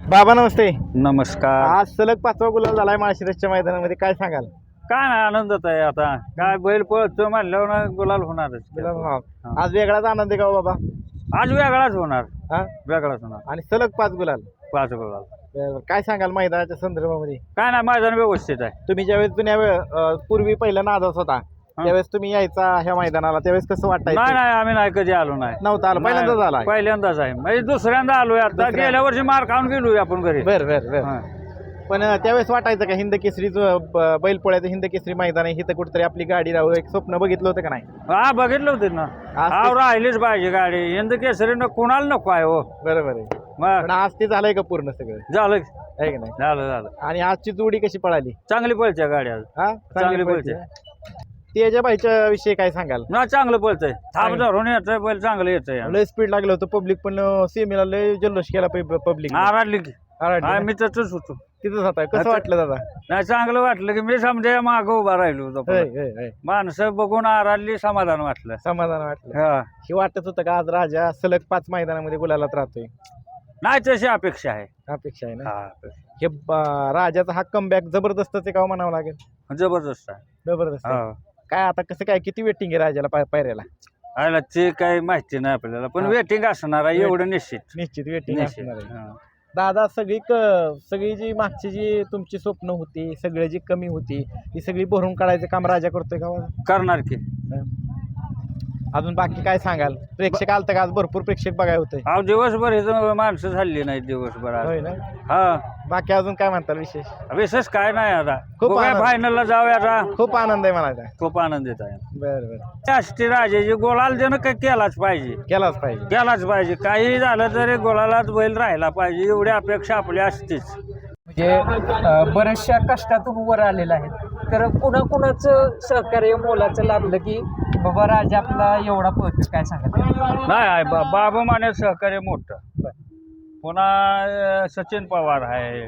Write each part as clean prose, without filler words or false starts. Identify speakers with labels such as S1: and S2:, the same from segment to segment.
S1: बाबा नमस्ते.
S2: नमस्कार.
S1: आज सलग 5वा गुलाल झालाय माळशिरसच्या मैदानामध्ये, काय सांगाल?
S2: काय नाही आनंदच आहे. आता काय बैल पळतो म्हणल्यावर ना गुलाल होणारच.
S1: आज वेगळाच आनंद आहे का हो बाबा?
S2: आज वेगळाच होणार.
S1: हा
S2: वेगळाच होणार.
S1: आणि सलग 5 गुलाल.
S2: 5 गुलाल.
S1: बरं, काय सांगाल मैदानाच्या संदर्भामध्ये?
S2: काय नाही मैदान व्यवस्थित आहे.
S1: तुम्ही ज्यावेळेस पूर्वी पहिला नादास होता त्यावेळेस तुम्ही यायचा ह्या मैदानाला, त्यावेळेस कसं
S2: नाही
S1: वाटायचं?
S2: नाही आम्ही नाही कधी आलो नाही.
S1: नव्हता आला, पहिल्यांदाच आला.
S2: पहिल्यांदाच आहे म्हणजे दुसऱ्यांदा आलोय. आता
S1: दुसऱ्या-
S2: गेल्या वर्षी मार खाऊन गेलोय आपण घरी.
S1: बर बर बर.
S2: हा.
S1: पण त्यावेळेस वाटायचं का हिंद केसरीचं बैलपोळ्याचं हिंद केसरी मैदान आहे, इथं कुठेतरी आपली गाडी राहू, एक स्वप्न बघितलं होतं का नाही?
S2: हा बघितलं होते ना.
S1: आज
S2: हा राहिलीच पाहिजे गाडी. यंदा केसरी कुणाला नको आहे हो.
S1: बरोबर आहे.
S2: मग
S1: पण आज ते झालंय का पूर्ण सगळं,
S2: झालं
S1: आहे का नाही?
S2: झालं झालं.
S1: आणि आजची जोडी कशी पळाली?
S2: चांगली पळते गाडी आज.
S1: हा
S2: चांगली
S1: पळते.
S2: पळते.
S1: तेजा बाईच्या विषयी काय सांगाल?
S2: ना चांगलं पळतंय. थांब धरून येतंय बैल, चांगलं येतंय.
S1: लय स्पीड लागलं होतं, पब्लिक पण सेमीला लय जल्लोष केला पब्लिक.
S2: आराडली की मी तसंच होतो.
S1: तिथंच होता. कसं वाटलं दादा?
S2: नाही चांगलं वाटलं की मी समजा मागं उभा राहिलो होतो.
S1: होय, होय, होय.
S2: माणसं बघून आराडली, समाधान वाटलं.
S1: समाधान वाटलं.
S2: हा.
S1: हे वाटत होतं का आज राजा सलग 5 मैदानामध्ये गुलालात राहतोय?
S2: नाही तशी अपेक्षा आहे.
S1: अपेक्षा आहे ना.
S2: हा.
S1: हे राजाचा हा कमबॅक जबरदस्तच आहे का हो म्हणावं लागेल?
S2: जबरदस्त आहे.
S1: जबरदस्त आहे.
S2: हा.
S1: काय आता कसं काय, किती वेटिंग आहे राजाला पायऱ्याला?
S2: आयला ते काही माहिती नाही आपल्याला, पण
S1: हा.
S2: वेटिंग असणार आहे एवढं निश्चित.
S1: निश्चित वेटिंग
S2: निश्चित.
S1: असणार आहे.
S2: हा.
S1: दादा सगळी जी मागची जी तुमची स्वप्न होती, सगळी जी कमी होती, ती सगळी भरून काढायचं काम राजा करतोय का हो?
S2: करणार की.
S1: अजून बाकी काय सांगाल? प्रेक्षक आलतं का आज? भरपूर प्रेक्षक बघाय होते.
S2: अहो दिवसभर इथं माणसं झाली नाही दिवसभर आज.
S1: होय ना.
S2: हा.
S1: बाकी अजून काय म्हणताल विशेष?
S2: विशेष काय नाही आता.
S1: खूप
S2: बघूया
S1: आनंद.
S2: फायनलला जाऊया आता.
S1: खूप आनंद आहे मला.
S2: खूप आनंदित आहे.
S1: बरं बरं.
S2: राष्ट्रीय राजाची गोलाल देणं काय केलाच पाहिजे.
S1: केलाच पाहिजे.
S2: केलाच पाहिजे. काही झालं तरी गोलालाच बैल राहायला पाहिजे एवढी अपेक्षा आपली असतेच.
S3: म्हणजे बऱ्याचशा कष्टातून वर आलेला आहे. तर कुणाकुणाचं सहकार्य मोलाचं लाभलं की बाबा राजा आपला एवढा पळतो, काय सांगत?
S2: नाही आहे बाबा माने सहकार्य मोठं. पुन्हा सचिन पवार आहे,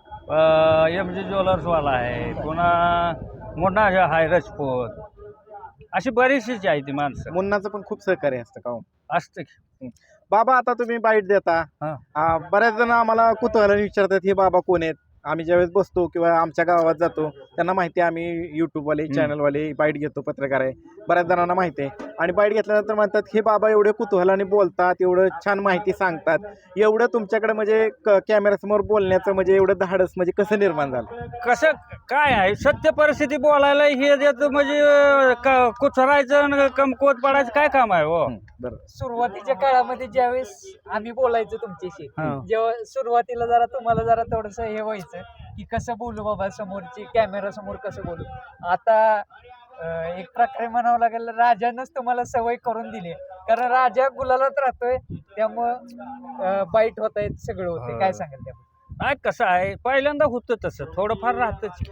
S2: MG ज्वेलर्सवाला आहे, पुन्हा मोठा आहे राजपूत. अशी बरीचशीच आहे ती माणसं.
S1: मुन्नाचं पण खूप सहकार्य असतं का हो?
S2: असते.
S1: बाबा आता तुम्ही बाईट देता,
S2: हा.
S1: बऱ्याच जण आम्हाला कुतूहलाने विचारतात हे बाबा कोण आहेत. आम्ही ज्यावेळेस बसतो किंवा आमच्या गावात जातो त्यांना माहिती आहे आम्ही यूट्यूबवाले चॅनलवाले बाईट घेतो, पत्रकार आहे, बऱ्याच जणांना माहिती आहे. आणि बाईट घेतल्यानंतर म्हणतात हे बाबा एवढे कुतूहलाने बोलतात, एवढं छान माहिती सांगतात, एवढं तुमच्याकडे म्हणजे कॅमेऱ्यासमोर बोलण्याचं म्हणजे एवढं धाडस म्हणजे कसं निर्माण झालं?
S2: कसं काय आहे सत्य परिस्थिती बोलायला हे देतं म्हणजे कुचरायचं कमकुवत पडायचं काय काम आहे हो.
S1: बरं.
S3: सुरुवातीच्या काळामध्ये ज्यावेळेस आम्ही बोलायचो तुमच्याशी,
S2: हा.
S3: जेव्हा सुरुवातीला जरा तुम्हाला जरा थोडस हे व्हायचं की कसं बोलू बाबा समोरची, कॅमेरा समोर कसं बोलू. आता एक प्रकारे म्हणावं लागेल राजानंच तुम्हाला सवय करून दिली, कारण राजा गुलालात राहतोय त्यामुळं बाईट होत आहेत, सगळं होते. काय सांगाल त्या?
S2: नाही कसं आहे पहिल्यांदा होतं तसं थोडंफार राहतच.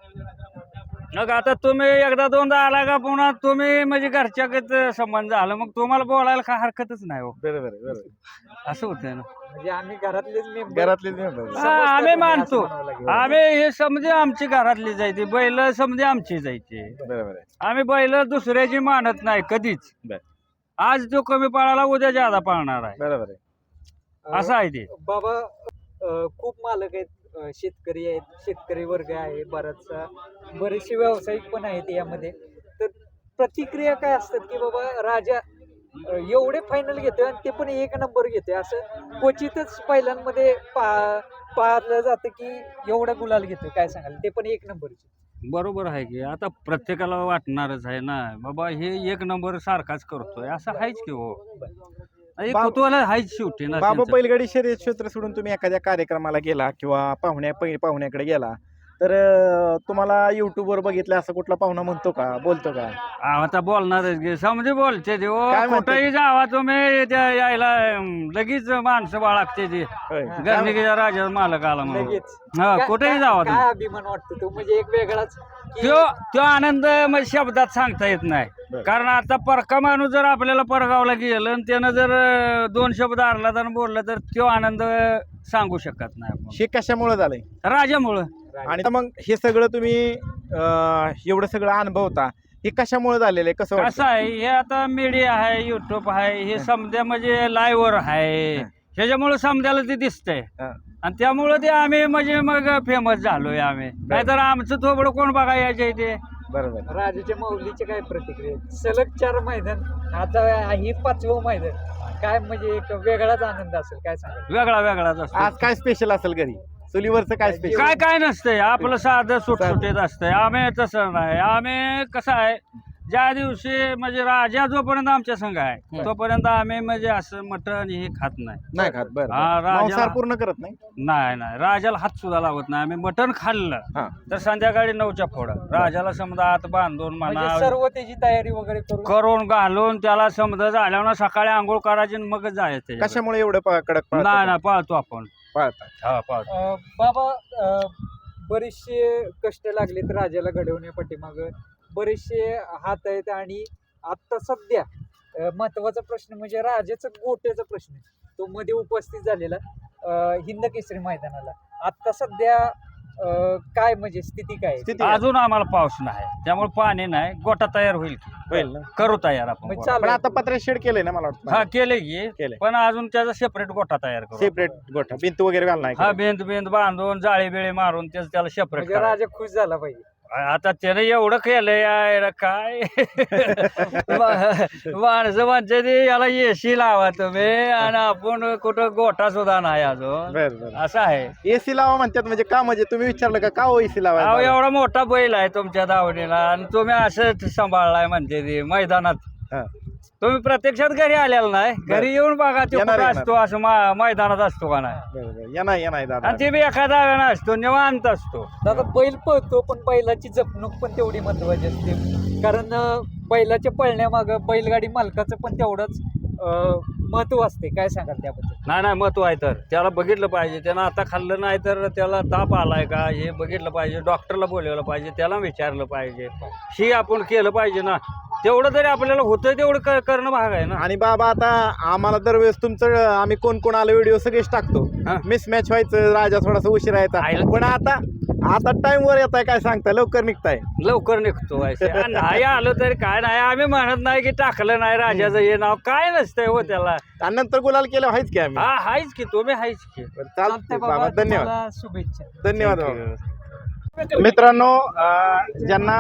S2: मग आता तुम्ही एकदा दोनदा आला का पुन्हा तुम्ही म्हणजे घरच्यागत संबंध झाला, मग तुम्हाला बोलायला काय हरकतच नाही हो.
S1: बरोबर आहे, बरोबर आहे.
S2: असं होतंय ना.
S3: म्हणजे आम्ही घरातलेच member.
S1: घरातले member.
S2: हा, आम्ही मानतो. आम्ही हे समजे आमची घरातली जायची बैल, समजे आमची जायची.
S1: बरोबर आहे.
S2: आम्ही बैल दुसऱ्याची मानत नाही कधीच.
S1: बर.
S2: आज जो कमी पळाला उद्या ज्यादा पळणार आहे,
S1: बरोबर आहे.
S2: असं आहे ते.
S3: बाबा खूप मालक आहेत, शेतकरी आहेत, शेतकरी वर्ग आहे बराचसा, बरेचसे व्यावसायिक पण आहेत यामध्ये. तर प्रतिक्रिया काय असतात की बाबा राजा एवढे फायनल घेतोय आणि ते पण 1 नंबर घेतोय, असं क्वचितच पहिल्यांमध्ये पाहिलं जातं की एवढा गुलाल घेतोय, काय सांगाल? ते पण 1 नंबरचे.
S2: बरोबर आहे की आता प्रत्येकाला वाटणारच आहे ना बाबा हे 1 नंबर सारखाच करतोय, असं आहेच की हो. कुतूहल आहेच शेवटी ना
S1: बाबा
S2: त्यांचं.
S1: बैलगाडी शर्यत क्षेत्र सोडून तुम्ही एखाद्या कार्यक्रमाला गेला किंवा पाहुण्याकडे गेला तर तुम्हाला युट्यूबवर बघितलं असं कुठला पाहुणा म्हणतो का, बोलतो का?
S2: आता बोलणारच गे समजे बोलते ते हो.
S1: काय म्हणते?
S2: कुठेही जावा तुम्ही त्या यायला लगेच माणसं बाळगते ते
S1: होय.
S2: गर्णिकीच्या राजा मालक आला म्हणून.
S3: लगेच
S2: हा कुठेही जावा
S3: काय
S2: तुम्ही.
S3: अभिमान वाटतो तो, म्हणजे एक वेगळाच की
S2: तो आनंद म्हणजे शब्दात सांगता येत नाही.
S1: बरं.
S2: कारण आता परका माणूस जर आपल्याला परगावला गेलं आणि त्यानं जर 2 शब्द आरला तर बोलला तर तो आनंद सांगू शकत नाही आपण.
S1: हे कशामुळे झालंय?
S2: राजामुळं.
S1: आणि मग हे सगळं तुम्ही एवढं सगळं अनुभवता, हे कशामुळे झालेलं आहे, कसं
S2: कसं आहे हे आता मीडिया आहे, युट्यूब आहे, हे समजा म्हणजे लाईव्हवर आहे, ह्याच्यामुळे समजायला ते दिसतंय. आणि त्यामुळं ते आम्ही म्हणजे मग फेमस झालोय आम्ही, नाहीतर आमचं थोबडं कोण बघा यायच्या इथे.
S1: बरोबर.
S3: राजाच्या माऊलीचे काय प्रतिक्रिया आहेत? सलग 4 मैदान, आता ही 5वं मैदान, काय म्हणजे एक वेगळाच आनंद असेल, काय सांगाल?
S2: वेगळा वेगळाच असतो.
S1: आज काय स्पेशल असेल घरी चुलीवरचं काय स्पेशल?
S2: काय काय नसतंय आपलं साधं सुटसुटीत असतंय. आम्ही तसं नाही, आम्ही कसं आहे, ज्या दिवशी म्हणजे राजा जोपर्यंत आमच्या संघ आहे तोपर्यंत आम्ही म्हणजे असं मटण हे खात नाही.
S1: नाही खात. बरं
S2: हा, राजा-
S1: मांसाहार पूर्ण करत नाही.
S2: नाही राजाला हात सुद्धा लावत नाही आम्ही. मटण खाल्लं
S1: हा.
S2: तर संध्याकाळी 9च्या पुढं राजाला समजा हात बांधून
S3: म्हणजे
S2: म्हणा
S3: सर्व त्याची तयारी वगैरे करून
S2: करून घालून त्याला समजा झाल्यावर सकाळी आंघोळ करायची आणि मगच जायचं.
S1: कशामुळे एवढं कडक पाळता?
S2: नाही पाळतो आपण.
S1: पाळता.
S2: हा पाळतो.
S3: बाबा, बरेचसे कष्ट लागलेत राजाला घडवण्या पाठीमाग, बरेचसे हात आहेत. आणि आता सध्या महत्वाचा प्रश्न म्हणजे राजाचा गोट्याचा प्रश्न, तो मध्ये उपस्थित झालेला हिंद केसरी मैदानाला. आता सध्या काय म्हणजे स्थिती काय आहे?
S1: स्थिती
S2: अजून आम्हाला पाऊस नाही, त्यामुळे पाणी नाही. गोटा तयार होईल की.
S1: होईल ना.
S2: करू तयार आपण
S3: म्हणजे
S2: गोटा.
S3: चालू
S1: पण
S3: आहे.
S1: आता पत्रे शेड केलंय ना मला
S2: हा
S1: वाटतं.
S2: केलंय की,
S1: केलंय.
S2: पण अजून त्याचा सेपरेट गोटा तयार करू.
S1: सेपरेट गोठा भिंत वगैरे घालणार
S2: हा बेंद बांधून जाळी बिळी मारून त्याला सेपरेट
S3: म्हणजे राजा खुश झाला पाहिजे.
S2: आता त्याने एवढं केलंय यार, काय माणसं म्हणते ते याला एसी लावा तुम्ही, आणि आपण कुठं गोठा सुद्धा नाही अजून.
S1: बरं बरं.
S2: असं आहे.
S1: एसी लावा म्हणतात म्हणजे का, म्हणजे तुम्ही विचारलं का हो एसी
S2: अहो,
S1: लावा?
S2: एवढा मोठा बैल आहे तुमच्या दावणीला आणि तुम्ही असं सांभाळलाय म्हणते ते मैदानात.
S1: हा.
S2: तुम्ही प्रत्यक्षात घरी आलेला नाही, घरी येऊन बघा ते
S1: येणार,
S2: कुठं
S1: येणार.
S2: असतो, असं मैदानात असतो का नाही.
S1: बरोबर. या नाही दादा.
S2: आणि ते बी एखादा वेळा असतो, निवांत असतो.
S3: दादा, बैल पळतो पण बैलाची जपणूक पण तेवढी महत्वाची असते. कारण बैलाच्या पळण्यामागं बैलगाडी मालकाचं पण तेवढंच महत्व असते. काय सांगाल त्याबद्दल?
S2: नाही महत्व आहे. तर त्याला बघितलं पाहिजे, त्यानं आता खाल्लं नाही तर त्याला ताप आलाय का हे बघितलं पाहिजे, डॉक्टरला बोलवलं पाहिजे, त्याला विचारलं पाहिजे, ही आपण केलं पाहिजे ना. तेवढं तरी आपल्याला होतं तेवढं करणं भाग आहे ना.
S1: आणि बाबा आता आम्हाला दरवेळेस तुमचं आम्ही कोण कोण आलं व्हिडिओ सगळेच टाकतो.
S2: हा.
S1: मिसमॅच व्हायचं, राजा थोडासा उशीर यायचा, पण आता टाइम वर येत आहे. काय सांगताय, लवकर निघताय.
S2: लवकर निघतो आहे. आणि नाही आलं तरी काय नाही, आम्ही म्हणत नाही की टाकलं नाही राजाचं हे नाव, काय नसतंय हो त्याला.
S1: आणि नंतर गुलाल केलं व्हायच की आम्ही.
S2: हा हायच की, तुम्ही हायच की.
S1: चालतंय बाबा, धन्यवाद.
S3: तुम्हाला शुभेच्छा.
S1: धन्यवाद बाबा. मित्रांनो, ज्यांना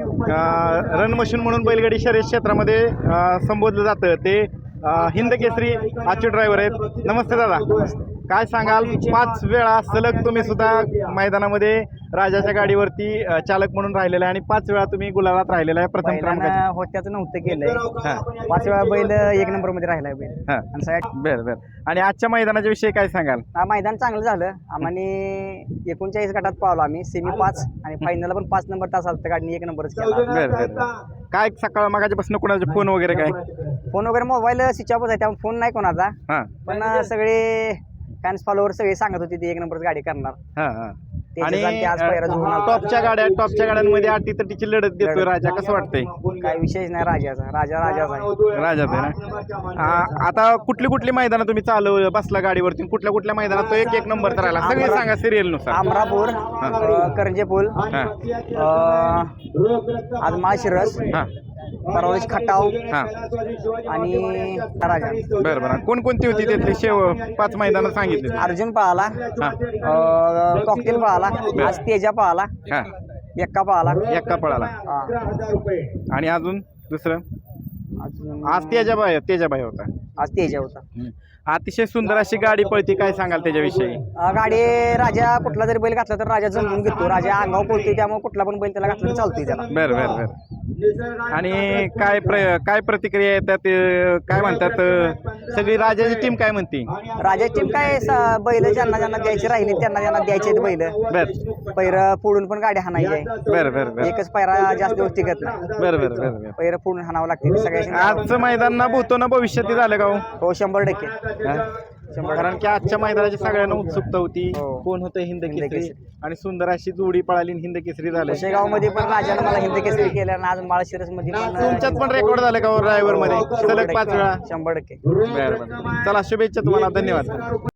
S1: रन मशीन म्हणून बैलगाडी शर्यत क्षेत्रामध्ये संबोधलं जातं ते हिंद केसरी आजचे ड्रायव्हर आहेत. नमस्ते दादा, काय सांगाल? 5 वेळा सलग तुम्ही सुद्धा मैदानामध्ये राजाच्या गाडीवरती चालक म्हणून राहिलेला आहे आणि 5 वेळा तुम्ही गुलालात राहिलेला आहे. प्रथम क्रमांकाचे.
S4: होत्याचं नव्हतं केलंय.
S1: हा.
S4: 5 वेळा बैल 1 नंबर मध्ये राहिलाय बैल.
S1: हा.
S4: आणि सगळ्यात
S1: बरं. आणि आजच्या मैदानाच्या विषयी काय सांगाल?
S4: मैदान चांगलं झालं. आम्हाने 39 गटात पावलो आम्ही, सेमी 5 आणि फायनलला पण 5 नंबर तास आलता, गाडीने 1 नंबरच केला.
S1: बरं. काय सकाळ मागाच्यापासून कोणाचे फोन वगैरे काय?
S4: फोन वगैरे मोबाईल स्विच ऑफच आहे, त्यामुळे फोन नाही कोणाचा.
S1: हा
S4: पण सगळे फॅन्स फॉलोवर सगळे सांगत होते ती 1 नंबरच गाडी करणार.
S1: हा.
S4: आणि आज पहिरा जुळून आला.
S1: टॉपच्या गाड्यांमध्ये अटीतटीची लढत देतोय राजा, कसं वाटतंय?
S4: काय विषयच नाही राजाचा. राजाचा आहे.
S1: राजाच आहे ना. आता कुठली मैदानं तुम्ही चालू बसला गाडीवरती, कुठल्या मैदानात तो एक नंबर तर राहिला, सगळे सांगा सिरियल नुसार.
S4: अमरापूर, करंजे पूल,
S1: हा.
S4: आज माळशिरस,
S1: हा.
S4: परवाश खटाव
S1: हा.
S4: आणि राजा.
S1: बरं. कोणकोणती होती त्यातली 5 मैदानं सांगितली?
S4: अर्जुन पळाला,
S1: हा.
S4: कॉकटेल पळाला, आज तेजा पळाला,
S1: हा.
S4: एक्का पळाला.
S1: एक्का पळाला.
S4: हा.
S1: आणि अजून दुसरं
S4: अजून
S1: आज तेजाबाई होता.
S4: आज तेजा होता.
S1: अतिशय सुंदर अशी गाडी पळती, काय सांगाल त्याच्याविषयी?
S4: गाडी राजा कुठला जरी बैल घातला तर राजा जमवून घेतो. राजा अंगावर पळतोय, त्यामुळे कुठला पण बैल त्याला घातला चालतोय त्याला.
S1: बरं. आणि काय प्रतिक्रिया येतात, काय म्हणतात सगळी राजाची टीम काय म्हणते?
S4: राजा टीम काय बैल ज्यांना द्यायची राहिली त्यांना द्यायचे बैल.
S1: बर
S4: पैर फोडून पण गाडी हाणायची आहे.
S1: बर.
S4: एकच पैरा जास्त दिवस टिकत नाही.
S1: बरं.
S4: पैर फोडून हाणावं लागते सगळ्या.
S1: आजचं मैदान ना भूतो ना भविष्यात झालं का हो?
S4: हो, 100%.
S1: कारण की आजच्या मैदानाची सगळ्यांना उत्सुकता होती,
S4: हो.
S1: कोण होतं हिंद केसरी, आणि सुंदर अशी जोडी पळाली हिंद केसरी झालं.
S4: शेगाव मध्ये पण राजाने मला हिंद केसरी केलं आणि आज माळशिरस मध्ये पण.
S1: तुमच्यात पण रेकॉर्ड झालं का ड्रायव्हर मध्ये सलग 5 वेळा?
S4: 100%.
S1: बरं. चला, शुभेच्छा तुम्हाला, धन्यवाद.